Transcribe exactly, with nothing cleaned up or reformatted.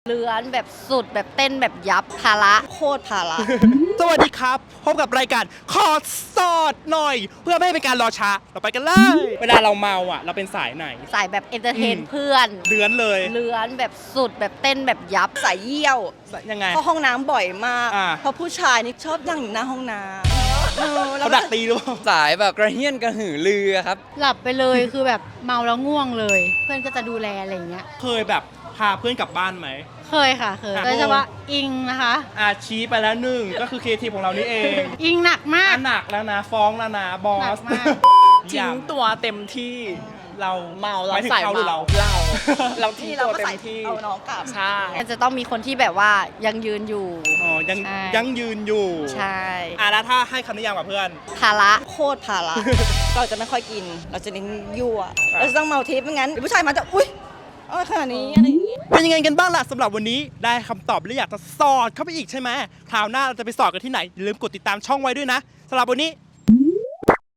เลื้อนแบบสุดแบบเต้นแบบยับภาระโคตรภาระสวัสดีครับพบกับรายการขอสอดหน่อย เพื่อไม่ให้เป็นการรอช้าเราไปกันเลย เวลาเราเมาอ่ะ เราเป็นสายไหนสายแบบเอนเตอร์เทนอืมเพื่อนเดือนเลยเลื้อนแบบสุดแบบเต้นแบบยับสายเยี่ยวยังไงเข้าห้องน้ำบ่อยมากอ่าเพราะผู้ชายนี่ชอบนั่งอยู่หน้าห้องน้ำเออแล้วเขาดักตีหรือเปล่าสายแบบกระเฮี้ยนกระหือรือครับหลับไปเลย คือแบบเมาแล้วง่วงเลย เพื่อนก็จะดูแลอะไรอย่างเงี้ยเคยแบบพาเพื่อนกลับบ้านไหมเคยค่ะ เคยอ่ะโดยเฉพาะอิงนะคะอาชี้ไปแล้วหนึ่งก็คือเคทีของเรานี่เองอิงหนักมากอ่ะหนักแล้วนะฟ้องแล้วนะบอหนัสกมากทิ้งตัวเต็มที่เราเมาเราหยถึงใส่เขาหรือเมาเราเราเราทิ้งที่เราตัวก็เต็ใส่มที่เอาน้องกลับใช่มันจะต้องมีคนที่แบบว่ายังยืนอยู่อ๋อยังใช่ยังยืนอยู่ใช่อ่ะแล้วถ้าให้คำนิยามกับเพื่อนภาระโคตรภาระ เราจะไม่ค่อยกิน เราจะเน้นยั่วเราจะต้องเมาทิพย์ไม่งั้นเดี๋ยวผู้ชายมาจะอุ้ยเอาขนาดนี้อะไรอย่างงี้เป็นยังไงกันบ้างล่ะสำหรับวันนี้ได้คำตอบและอยากจะสอดเข้าไปอีกใช่ไหมคราวหน้าเราจะไปสอดกันที่ไหนอย่าลืมกดติดตามช่องไว้ด้วยนะสำหรับวันนี้